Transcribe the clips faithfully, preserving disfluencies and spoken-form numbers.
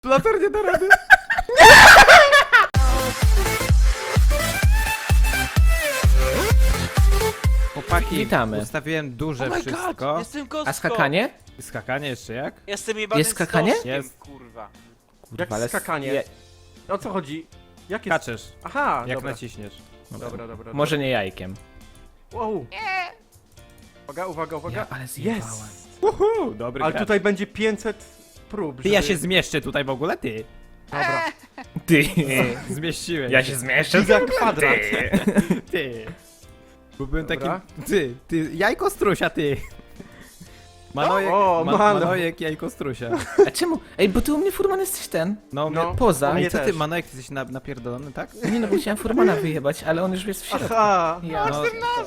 Latar nie da rady. Chłopaki, Witamy. ustawiłem duże Oh my wszystko. God, jestem kostką. A skakanie? Skakanie jeszcze jak? Jestem jebanym Jest skakanie? stożkiem, Jest. kurwa. Kurwa, Jak ale skakanie? je- O co chodzi? Jak jest? Skaczesz, Aha, jak dobra. naciśniesz. Dobra, dobra. Może nie jajkiem. Wow. Uwaga, uwaga, uwaga. Ja, ale zjebałem. Jest! Uhu, dobry Ale gracz. tutaj będzie pięćset prób, Ty, żeby... ja się zmieszczę tutaj w ogóle, ty. Dobra. Ty. Zmieściłem Ja się zmieszczę. Giga kwadrat. Ty. Bo byłem Dobra. takim... Ty, ty, jajko strusia, ty. Manojek, O, ma, Mano. Manojek, jajko strusia. A czemu? Ej, bo ty u mnie furman jesteś ten. No, No. no. Poza. mnie Co ty, też. Manojek, ty jesteś na, napierdolony, tak? Nie no, bo chciałem furmana wyjebać, ale on już jest w środku. Aha! Ja. No,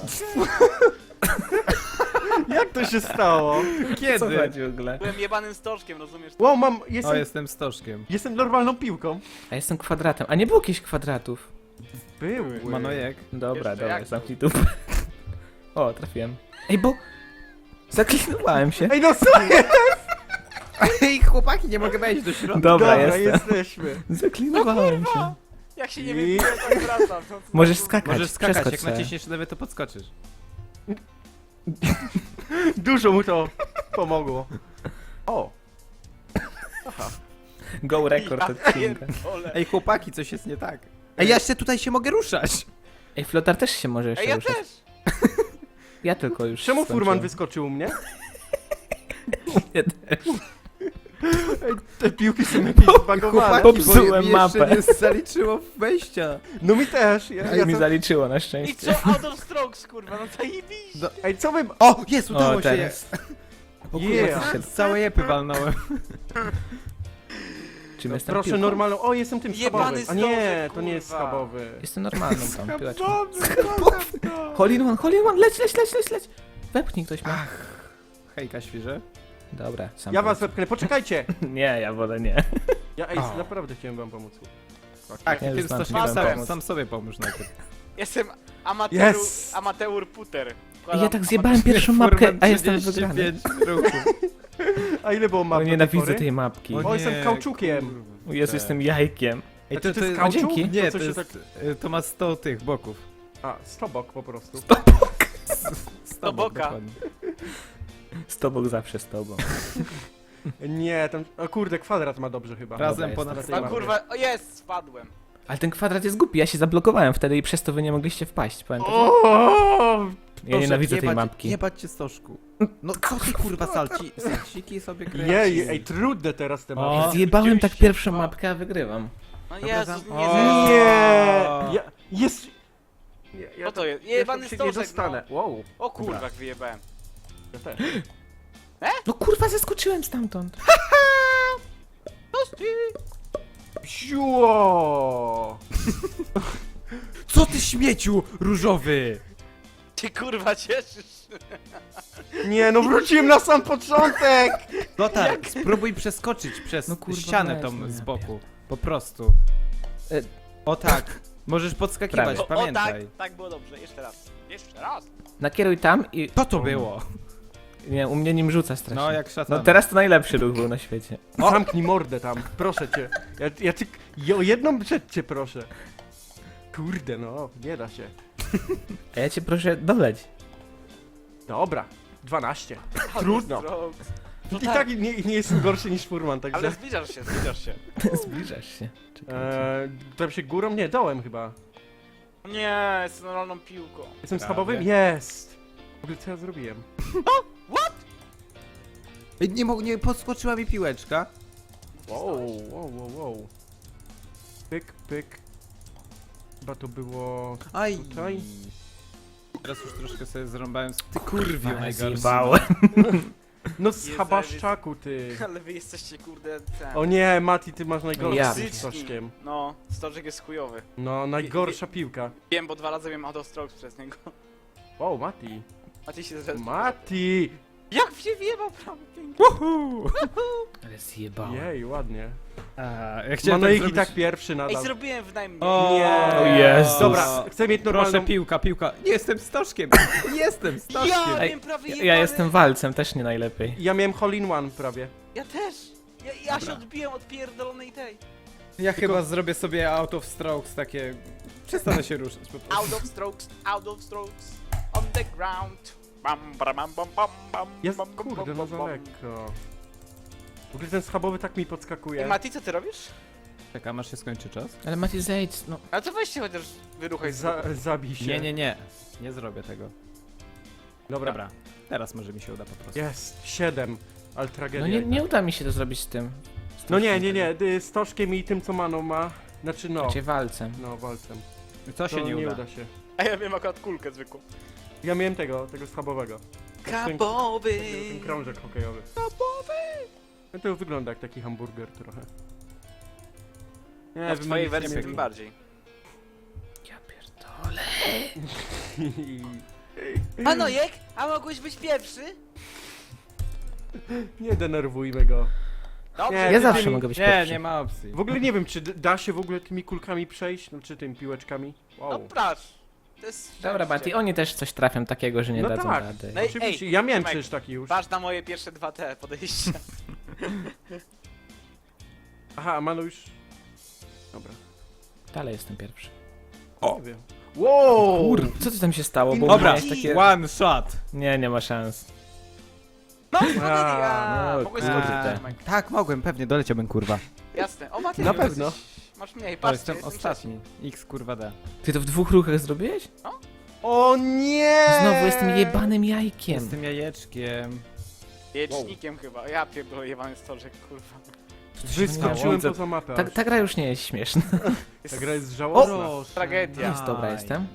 Jak to się stało? Co kiedy? chodzi w ogóle? Byłem jebanym stożkiem, rozumiesz? Wow, mam... O, Jestem, jestem stożkiem. jestem normalną piłką. A jestem kwadratem. A nie było jakichś kwadratów. Były. Manojek. Dobra, Jeszcze dobra, jak? zamknij dupę. O, trafiłem. Ej, bo... Zaklinowałem się. Ej, no co jest? Ej, chłopaki, nie mogę wejść do środka. Dobra, Dobra, jestem. jesteśmy. Zaklinowałem się. Jak się nie I- wiem, tak wracam. No, co Możesz za- skakać, Możesz skakać, przeskocz jak sobie. naciśniesz lewy, to podskoczysz. Dużo mu to pomogło. O! Go record Ja odcinka. pierdolę. Ej, chłopaki, coś jest nie tak. Ej, ja jeszcze tutaj się mogę ruszać. Ej, flotar też się może jeszcze Ej, ja ruszać. też! Ja tylko już Czemu skończyłem. furman wyskoczył u mnie? Nie, też. Ej, te piłki są jakieś zbagowane. Popsułem mi jeszcze mapę. nie zaliczyło wejścia. No mi też. Ja, Ale ja mi co... zaliczyło na I szczęście. co? Out of strokes, kurwa, no zajebiście! No, Ej, co wy... o, jest, udało O, się. teraz. O Yeah. kurwa, z całe jepy walnąłem. Czym jestem Proszę piłką? normalną... O, jestem tym Jebany schabowym. A nie, stożek, to nie jest kurwa. schabowy. Jestem normalną tą piłeczką. Dobrze, Hole in one, hole in one, leć, leć, leć, leć, leć. Wepchnij ktoś mnie. Hejka, świeże. Dobra, sam Ja pomóc. was wepchnę, poczekajcie! Nie, ja wolę nie. Ja ej, O. naprawdę chciałem wam pomóc. Tak, Ja i już tym znam, stożkiem nie sam, wiem. sam sobie pomóż najpierw. Jestem amateur, Yes! amateur puter. Ej, Wkładam ja tak amateur- zjebałem pierwszą mapkę, a jestem wygrany. trzydzieści pięć ruchów. A ile było O, map do tej nienawidzę pory? tej mapki. O, jestem nie, kauczukiem. kurwa. O Jezu, jestem jajkiem. Ej, A czy to, to to, jest to, kauczuk? dzięki. Nie, To to, się jest, y, to ma sto tych boków. A, stobok po prostu. sto boka. dokładnie. Z tobą zawsze z tobą. Nie, tam... O kurde, kwadrat ma dobrze chyba. Razem Dobra, ponad jestem. A tej kurwa, o jest, spadłem. Ale ten kwadrat jest głupi, ja się zablokowałem wtedy i przez to wy nie mogliście wpaść, pamiętacie? O! Ja nienawidzę tej jebać, mapki. Jebać cię stożku. No co ty kurwa salci, salciki sobie kręcisz? Jej, ej, trudne teraz te O. mapy. Zjebałem tak Oczywiście, pierwszą no. mapkę, a wygrywam. No Dobra, Jezus, zam- nie O. zeszło. Nie! Ja, jest... Nie, ja Co to jest? ja Jebany tam się nie stożek, dostanę. Wow, O kurwa, jak wyjebałem. ja też. No kurwa, zeskoczyłem stamtąd. Siło! Co ty śmieciu różowy? Ty kurwa cieszysz. Nie, no wróciłem na sam początek! Lotar, spróbuj przeskoczyć przez No kurwa, ścianę weź, tą no z ja boku. Po prostu. E, O tak. Możesz podskakiwać, Prawie. O, o tak, pamiętaj. tak było dobrze, jeszcze raz. Jeszcze raz. Nakieruj tam i... Co to było? Nie, u mnie nim rzuca strasznie. No jak szatan. No teraz to najlepszy ruch był na świecie. Zamknij mordę tam, proszę cię. Ja, ja ty... Ja o jedną rzecz cię proszę. Kurde, no, nie da się. A ja cię proszę doleć. Dobra, dwanaście. Trudno. Strokes. I tak nie, nie jestem gorszy niż furman, także... Ale zbliżasz się, zbliżasz się. Zbliżasz się. Czekaj. Eee, tam się górą? Nie, dołem chyba. Nie, jestem normalną piłką. Jestem Prawie. schabowym? Jest! W ogóle co ja zrobiłem? Ej, Nie, mo- nie podskoczyła mi piłeczka. Wow, wow, wow, wow. Pyk, pyk. Chyba to było... Aj. Tutaj? Teraz już troszkę sobie zrąbałem z... Ty kurwiu Ale najgorszy. zjebałem. No z Jezu, habaszczaku, ty. Ale wy jesteście kurde ten. O nie, Mati, ty masz najgorszy Ja. z tym stożkiem. No, stożek jest chujowy. No, najgorsza piłka. Wiem, bo dwa razy miałem out of strokes przez niego. Wow, Mati. A ty się zresztą. Mati! Jak się wjebał prawie pięknie. Ale zjebałem. Jej, ładnie. A, ja chciałem Manoik tak i zrobić... tak pierwszy Ej, nadal. zrobiłem w najmniej. O, Nie. O Jezus. Dobra, chcę mieć Proszę, normalną... piłka, piłka. Jestem stożkiem. Jestem Ja stożkiem. Ej, wiem prawie Ja, jebany. ja jestem walcem, też nie najlepiej. Ja miałem hole in one prawie. Ja też. Ja, ja się odbiłem od pierdolonej tej. Ja chyba zrobię sobie out of strokes takie... Przestanę się ruszać po prostu. Out of strokes, out of strokes, on the ground. Bam, bam, bam, bam, bam, bam, Jest, bam, bam, kurde, bam, no bam, za bam. lekko. W ogóle ten schabowy tak mi Ej, podskakuje. Mati, co ty robisz? Czekam aż się skończy czas. Ale Mati, zejdź, no. A to weź się chociaż wyruchaj z Za, zabij się. Nie, nie, nie. Nie zrobię tego. Dobra. Dobra. Teraz może mi się uda po prostu. Jest, siedem. Ale tragedia. No nie, nie uda mi się to zrobić z tym. Z No tym nie, nie, wszystkim. nie, y, z Toszkiem i tym co Mano ma. Znaczy no, Znaczy walcem. no walcem. Co się To nie uda? się. A ja wiem akurat kulkę zwykłą. Ja miałem tego, tego schabowego. Kabowy! Ten krążek hokejowy. No to wygląda jak taki hamburger trochę. Nie, A w wy twojej mnie wersji nie tym wiem. bardziej. Ja pierdolę. Manojek, a mogłeś być pierwszy? Nie denerwujmy go. Dobrze. Nie, Ja ty zawsze tymi- mogę być Nie, pierwszy. nie ma opcji. W ogóle nie wiem, czy d- da się w ogóle tymi kulkami przejść, no czy tymi piłeczkami. No Wow. prasz. To jest Dobra, szczęście. Mati, oni też coś trafią takiego, że nie No dadzą tak. rady. No i- Oczywiście, ej, ja miałem Tomek, przecież taki już. Patrz na moje pierwsze dwa te podejścia. Aha, a Mano już... Dobra. Dalej jestem pierwszy. Nie wiem. Wow! Kur... Co ty tam się stało? Bo Dobra, miałeś takie... one shot. Nie, nie ma szans. No, A, no, no, mogłeś kurde. skończyć, Tomek. Tak, mogłem, pewnie, doleciałbym kurwa. Jasne. O, Mati, Na nie, pewno. jesteś- Masz mniej, O, patrz, jestem ostatni. X kurwa D. Ty to w dwóch ruchach zrobiłeś? O nie! Znowu jestem jebanym jajkiem. Jestem jajeczkiem. Jecznikiem chyba. Ja pierdolę jebany stożek, kurwa. Wyskoczyłem Co- poza mapę. Ta, aż. ta gra już nie jest śmieszna. Ta gra jest żałosna. Tragedia. Jest dobra jestem.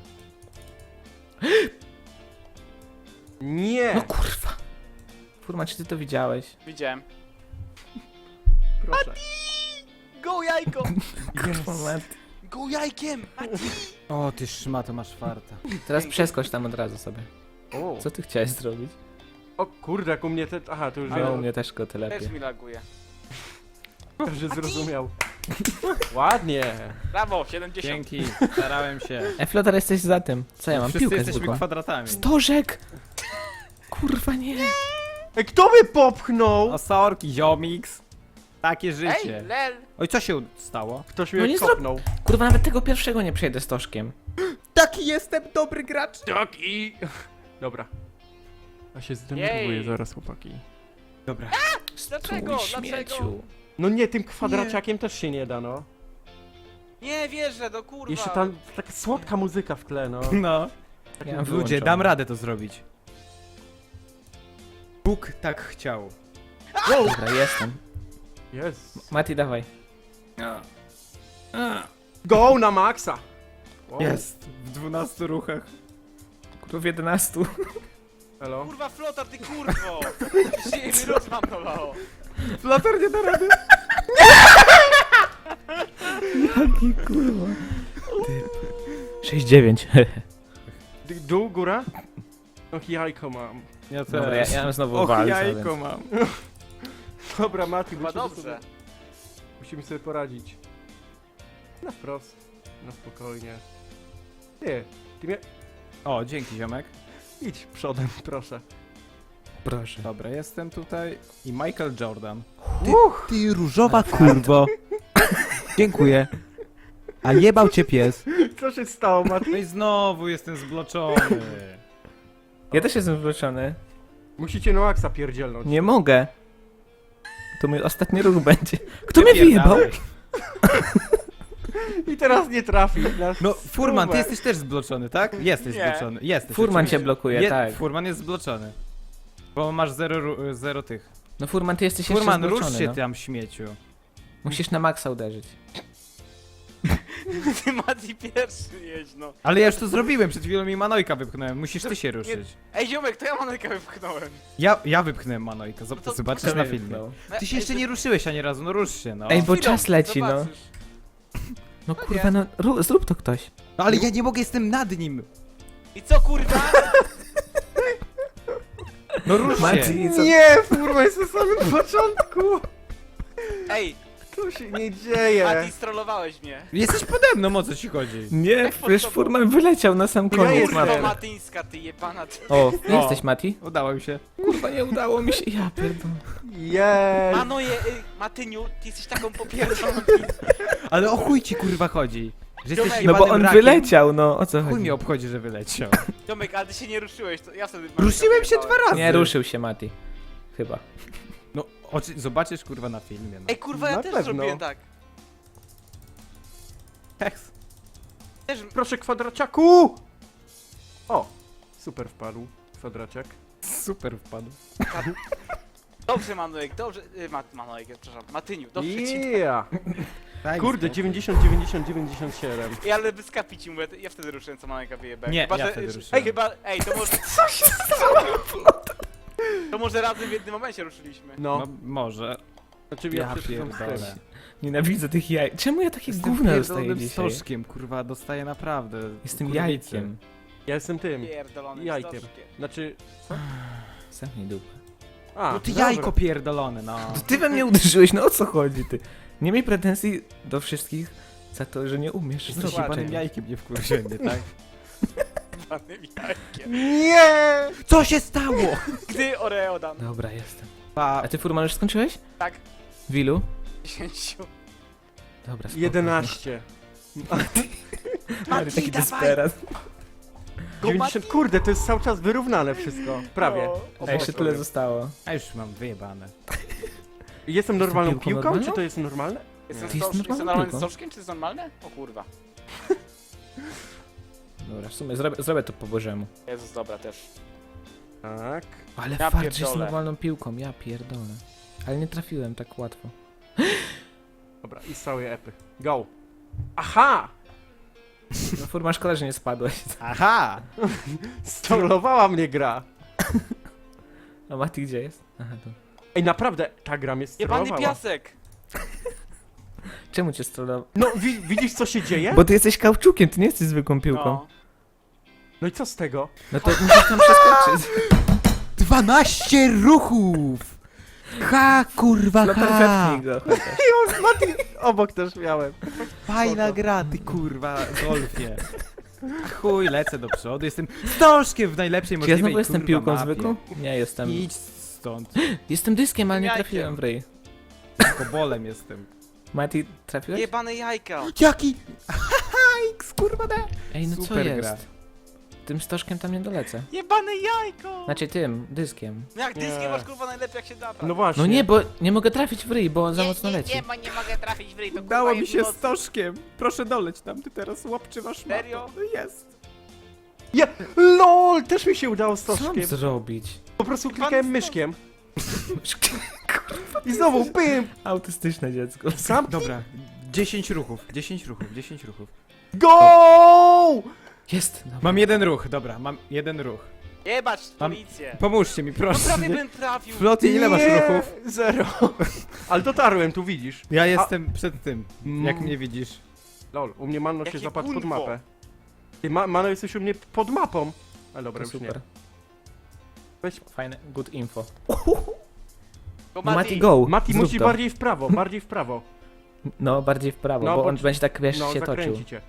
Nie! No kurwa. Furman, czy ty to widziałeś? Widziałem. Proszę. Go jajko! Kurwa, Mati. Go jajkiem! Mati! O, ty szmato, masz farta. Teraz przeskocz tam od razu sobie. O, Co ty chciałeś zrobić? o kurde, jak u mnie te... Aha, to już No, u wiem, mnie też go tyle Też lepiej. mi laguje. że zrozumiał. Ładnie! Brawo, siedemdziesiąt. Dzięki, starałem się. E, Flotar, jesteś za tym. Co ja mam? Wszyscy Piłkę jesteśmy zwykłą. kwadratami. Stożek! Kurwa nie. Ej, kto mnie popchnął? O, sorki, ziomix. Takie Ej, życie. lel! Oj, co się stało? Ktoś No mnie nie kopnął. Kurwa, nawet tego pierwszego nie przejdę stożkiem. Taki jestem dobry gracz. Tak i... Dobra. A się zdenerwuję Jej. zaraz, chłopaki. Dobra. Dlaczego? Stój, Dlaczego? śmieciu. No nie, tym kwadraciakiem też się nie da, no. Nie wierzę, do kurwa. Jeszcze tam taka słodka muzyka w tle, no. No. Tak Ja mi ludzie, Ludzie, Wyłączone. dam radę to zrobić. Bóg tak chciał. Dobra, jestem. Jest. Mati, dawaj. Go na maksa! Wow. Jest. W dwunastu ruchach. Kurwa, w jedenastu. Elo. Kurwa, flotar, ty kurwo! Się mi rozmamnowało. Flater nie da rady. Jaki kurwa. sześć dziewięć. D- Dół, góra? Och, jajko mam. Ja też. Dobra, ja, ja mam znowu Och, walca, jajko więc... mam. Dobra, Mati, Chyba musimy dobrze. sobie, musimy sobie poradzić. Na wprost. Na spokojnie. Ty, ty mnie... O, dzięki ziomek. Idź przodem, proszę. Proszę. Dobra, jestem tutaj. I Michael Jordan. Uch! Ty różowa kurwo. Dziękuję. A jebał cię pies. Co się stało, Mati? No i znowu jestem zbloczony. Ja też jestem wywleczony. Musicie no aksa pierdzielnąć. Nie mogę. To mój ostatni ruch będzie. Kto mnie wyjebał? Wypierdalaj. I teraz nie trafi. Na No, Furman, ty stówę. jesteś też zbloczony, tak? Jesteś Nie. zbloczony. Jesteś. Furman oczywiście. cię blokuje, Je- tak. Furman jest zbloczony. Bo masz zero, ru- zero tych. No Furman, ty jesteś Furman, jeszcze rusz zbloczony, się no. tam, śmieciu. Musisz na maksa uderzyć. Ty Mati pierwszy jedź, no. Ale ja już to zrobiłem, przed chwilą mi Manojka wypchnąłem. Musisz ty się ruszyć. Ej, ziomek, to ja manojkę wypchnąłem. Ja, ja wypchnąłem Manojka, No zob- to zobaczysz kto na mnie filmie. wypchnął? Ty się jeszcze nie ruszyłeś ani razu, no rusz się, no. Ej, bo Chwilą, czas leci, no. zobaczysz. No kurwa, no ru- zrób to ktoś. No ale ja nie mogę, jestem nad nim. I co kurwa? No rusz się. Mati, co? Nie, kurwa, jest na samym początku. Ej, Co się nie dzieje? Mati, strollowałeś mnie. Jesteś pode mną, o co ci chodzi? Nie, przecież Furman wyleciał na sam koniec jestem. mapy. To Matyńska, ty jebana. Ty. O, jesteś Mati? Udało mi się. Kurwa, nie udało mi się. Ja pierdolę. Jej! Manoje, y, Matyniu, ty jesteś taką popierdoloną. Ale o chuj ci kurwa chodzi? Że jesteś Ziomek, No bo jebanym on rakiem? wyleciał, no o co Chuj chodzi? mnie obchodzi, że wyleciał. Tomek, ale ty się nie ruszyłeś, to ja wtedy... Ruszyłem się dwa razy. Nie ruszył się Mati. Chyba. No, oczy, zobaczysz kurwa na filmie, no. Ej, kurwa, ja Na też pewno. zrobiłem tak. Heks. Też... Proszę, kwadraciaku! O! Super wpadł. Kwadraciak. Super wpadł. Dobrze, Manojek, dobrze... Y, Ma, Manojek, przepraszam, Matyniu, dobrze ci... Yeah! Daj Kurde, spokój. dziewięćdziesiąt, dziewięćdziesiąt, dziewięćdziesiąt siedem. Ej, ale wyskapi ci mówię, ja wtedy ruszyłem, co Manojka wyjebałem. Nie, chyba, ja że, wtedy Ej, ruszyłem. chyba... Ej, to może... Co się stało? To może razem w jednym momencie ruszyliśmy. No, No może. znaczy Ja ja przeczytam z tym. pierdolę. Nienawidzę tych jaj. Czemu ja takie Jestem gówno dostaję pierdolonym dzisiaj? stożkiem, kurwa, dostaję naprawdę. Jestem kurwicy. jajkiem. Ja jestem tym. Pierdolony Jajkiem. stożkiem. Znaczy... Zamknij dupę. A, No ty dobra. jajko pierdolone, no. To ty we mnie uderzyłeś, no o co chodzi ty? Nie miej pretensji do wszystkich za to, że nie umiesz Jesteś zrobić jebanym czegoś. jajkiem, nie wkurwienie, tak? Panym jajkiem. Nie! Co się stało? Gdy Oreo dam. Dobra, jestem. Pa, A ty Furman już skończyłeś? Tak, W ilu? dziesięciu. Dobra, spoko. jedenaście. Ale taki dawaj. desperat. dziewięćdziesiąt, kurde, to jest cały czas wyrównane wszystko. Prawie. No. A jeszcze tyle zostało. a już mam wyjebane. Jestem normalną piłką piłką, normalną? czy to jest normalne? Jestem, Ty jest stoż, jestem normalną normalnym piłką. stożkiem, czy jest normalne? O kurwa. Dobra, w sumie zrobię, zrobię to po bożemu. Jezus, dobra, też. Tak. Ale Ja fakt, że jest pierdolę. normalną piłką, ja pierdolę. Ale nie trafiłem tak łatwo. Dobra, i z całej epy. Go. Aha! No Furman, szkoda, że nie spadłeś. Aha! Strollowała mnie gra. A Mati gdzie jest? Aha, tu. Ej, naprawdę, ta gra mnie Jebany strollowała. piasek! Czemu cię strollował? No, wi widzisz co się dzieje? Bo ty jesteś kauczukiem, ty nie jesteś zwykłą piłką. No. No i co z tego? No to musisz tam przeskoczyć. dwanaście ruchów! Ha, kurwa, No ha! perfektnie go. chociaż. Już, Mati, obok też miałem. Fajna Spoko. gra, ty kurwa, golfie. A chuj, lecę do przodu, jestem stożkiem w najlepszej Czy ja możliwej, znowu jestem kurwa, piłką mapie. zwykłą? Nie jestem. Idź stąd, Jestem dyskiem, ale nie Jajkiem. trafiłem w ryj. kobolem jestem. Mati, trafiłeś? Jebane jajka! Jaki? X, kurwa, da. Ej, no co Super jest? gra. Tym stożkiem tam nie dolecę. Jebane jajko! Znaczy tym, dyskiem. No jak dyskiem Nie. masz kurwa najlepiej jak się da. No właśnie. No nie, bo nie mogę trafić w ryj, bo za nie, mocno nie, leci. Nie, bo nie mogę trafić w ryj, to kurwa Dało mi jest się noc. stożkiem. Proszę doleć tam, ty teraz łapczywasz mapę. Serio? No jest. Ja, LOL, też mi się udało z Co mam stożkiem. zrobić? Po prostu Pan klikałem z- myszkiem. I znowu, pym! Autystyczne dziecko. Sam Dobra, dziesięć ruchów, dziesięć ruchów, dziesięć ruchów. Go! Jest! Dobra. Mam jeden ruch, dobra, mam jeden ruch. Jebać Mam- policję! Pomóżcie mi, No proszę. prawie nie? bym trafił! Floty, ile masz Nie, ruchów? Zero. Ale dotarłem, tu widzisz. Ja jestem przed tym, jak Mm. mnie widzisz. Lol, u mnie Mano się Jakie zapadł pod gunwo. mapę. Ty, ma Mano, jesteś u mnie pod mapą. Ale dobra, To już nie. super. Weź. Fajne, good info. Go No Mati, go! Mati, Zrób musisz to. bardziej w prawo, bardziej w prawo. No, bardziej w prawo, No, bo bo- on będzie tak, wiesz, No, się toczył. zakręci cię.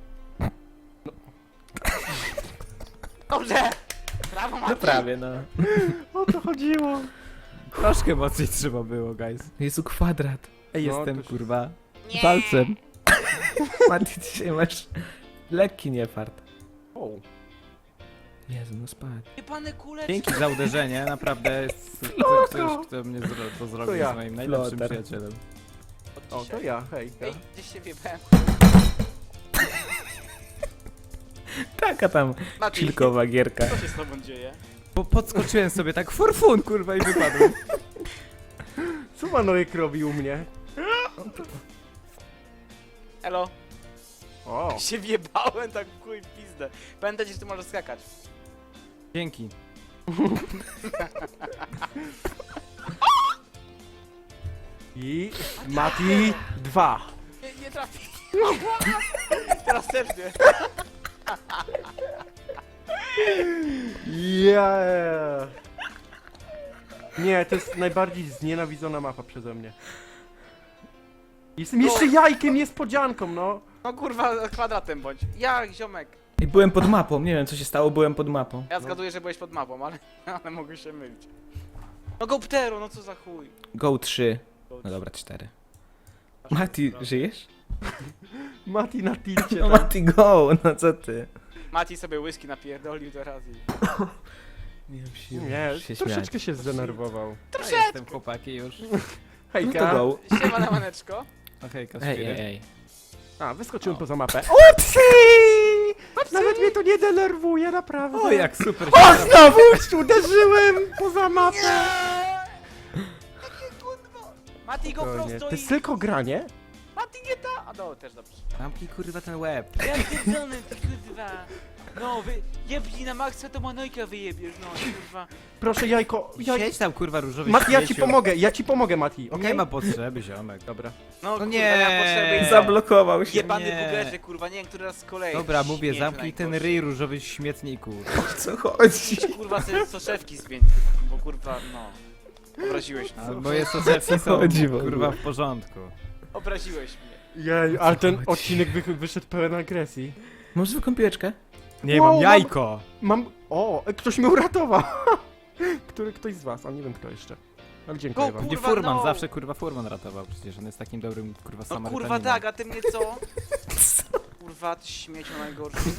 Dobrze! Brawo Mati! No prawie, no. O to chodziło. Troszkę mocniej trzeba było, guys. Jezu, kwadrat. Ej, No, jestem, to- kurwa, Nie. walcem. Mati, dzisiaj masz lekki niefart. O. Jezu, no spadł. Jebane kuleczki! Dzięki za uderzenie, naprawdę jest Flotko. ktoś, kto mnie zro to zrobił, To ja. jest moim najlepszym Flotar. przyjacielem. Od O, dzisiaj. to ja, hej. Ja. Ej, gdzieś się wjebałem. Taka tam Mati, chillkowa gierka. co się z tobą dzieje? Po podskoczyłem sobie tak for fun, kurwa, i wypadłem. Co Manojek robi u mnie? Elo, O. się wjebałem tak w chuj w pizdę. Pamiętajcie, że ty możesz skakać. Dzięki. I Mati dwa. Nie, nie trafi. Teraz też nie. Yeah. Nie, to jest najbardziej znienawidzona mapa przeze mnie. Jestem jeszcze jajkiem, niespodzianką, no. No kurwa, kwadratem bądź. Ja, ziomek. I byłem pod mapą, nie wiem co się stało, byłem pod mapą. Ja zgaduję, że byłeś pod mapą, ale, ale mogę się mylić. No GoPtero, no co za chuj. Go trzy. No dobra, cztery. Mati, żyjesz? Mati na tilcie. No tak. Mati, go, no co ty? Mati sobie whisky napierdolił teraz i... Nie wiem, siły Nie, się śmiać. troszeczkę się zdenerwował. Ja jestem chłopaki już. No to Hejka. go. Siema na maneczko. Okej, okay, Ej, ej, ej. A, wyskoczyłem O. poza mapę. Upsi! Nawet mnie to nie denerwuje, naprawdę. O, jak super się O, znowu uderzyłem poza mapę! Mati go Spokojnie. prosto To i... jest tylko granie? Mati nie ta... A no, też dobrze. Zamknij kurwa ten łeb. Ja pierdolę, ty kurwa. No, wy... Jebnij na maksa, to manojka wyjebiesz, no kurwa. Proszę, jajko, jaj... Siedź tam kurwa różowy Mati, ja ci śmieciu. pomogę, ja ci pomogę, Mati, okej? Nie ma potrzeby, ziomek. Dobra. No, kurwa, nie. nie ma potrzeby i Zablokował się. Jebany Nie. bugerze, kurwa, nie wiem, który raz z kolei. Dobra, mówię, Śmieciu zamknij ten najgorszy. ryj różowy śmietniku. Co chodzi? Idź, kurwa, sobie soszewki zmień, bo kurwa, no. Obraziłeś mnie. Albo jest sosewki są chodzi w ogóle? kurwa w porządku. Obraziłeś mnie. Jej, ale ten odcinek wy, wyszedł pełen agresji. Może zwykłą piłeczkę? Nie, Wow, mam jajko! Mam... O, ktoś mnie uratował! Który, ktoś z was, a nie wiem kto jeszcze. Ale dziękuję Go, wam. Nie Kurwa, Furman, no. zawsze kurwa Furman ratował, przecież on jest takim dobrym kurwa No Samarytaninem. kurwa tak, a ty mnie co? Kurwa, ty śmieciu najgorszy.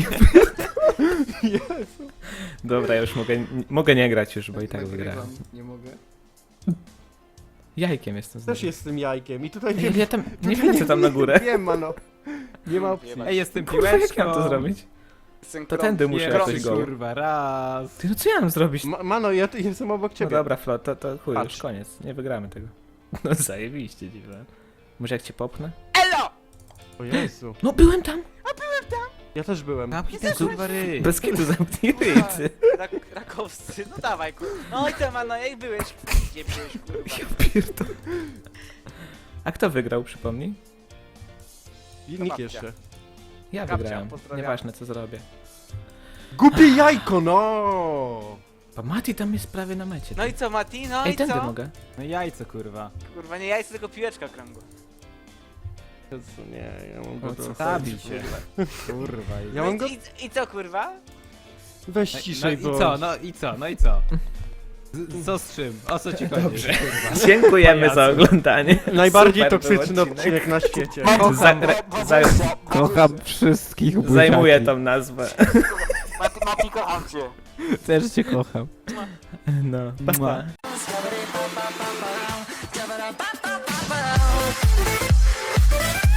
Jezu. Dobra, ja już mogę, n- mogę nie grać już, bo i tak wygrałem. Nie mogę. Jajkiem jestem Też znowu. jestem jajkiem i tutaj Ej, wiem... ja tam, nie wiem co tam na górę. Wiem, mano. Nie ma opcji. Jebać. Ej, jestem Kurwa, jak piłeczką! mam to zrobić? Synchron. To tędy muszę Nie, jakoś Pierwszy go. kurwa, raz! Ty, no co ja mam zrobić? Ma, mano, ja tu jestem obok No ciebie. dobra, Flo, to, to chuj, Patrz. już koniec. Nie wygramy tego. No zajebiście, dziwne. Może jak cię popnę? Elo! O Jezu. No byłem tam! Ja też byłem. Zamknij ten kurwa ryj! Bez kitu zamknij ryj, Kurwa, ty. rak, rakowscy, no dawaj kurwa. No i co, mano, jak byłeś? Gdzie byłeś, kurwa? Ja pierdolę. A kto wygrał, przypomnij? I nikt babcia. jeszcze. Ja Kapcia, wygrałem. pozdrawiam. Nieważne co zrobię. Głupie jajko, no! A Mati tam jest prawie na mecie. No i co, Mati? No Ej, i tędy co? mogę. No jajco kurwa. Kurwa, nie jajce, tylko piłeczka kręgła. Jezu, nie, ja mam O, go co dosyć. Stawi się. Kurwa. Ja No mam i, go... i, I co, kurwa? Weź No, no ciszej, i bo... co, no i co, no i co? Z, co z czym? O co ci chodzi? Dobrze. Kurwa. Dziękujemy za Pajacu. oglądanie. Najbardziej Super był toksyczny odcinek. odcinek na świecie. Za, re, za, Kocham wszystkich zajmuję tą nazwę. Mati, Mati, kocham cię. Też cię kocham. No, pa, Mua. pa.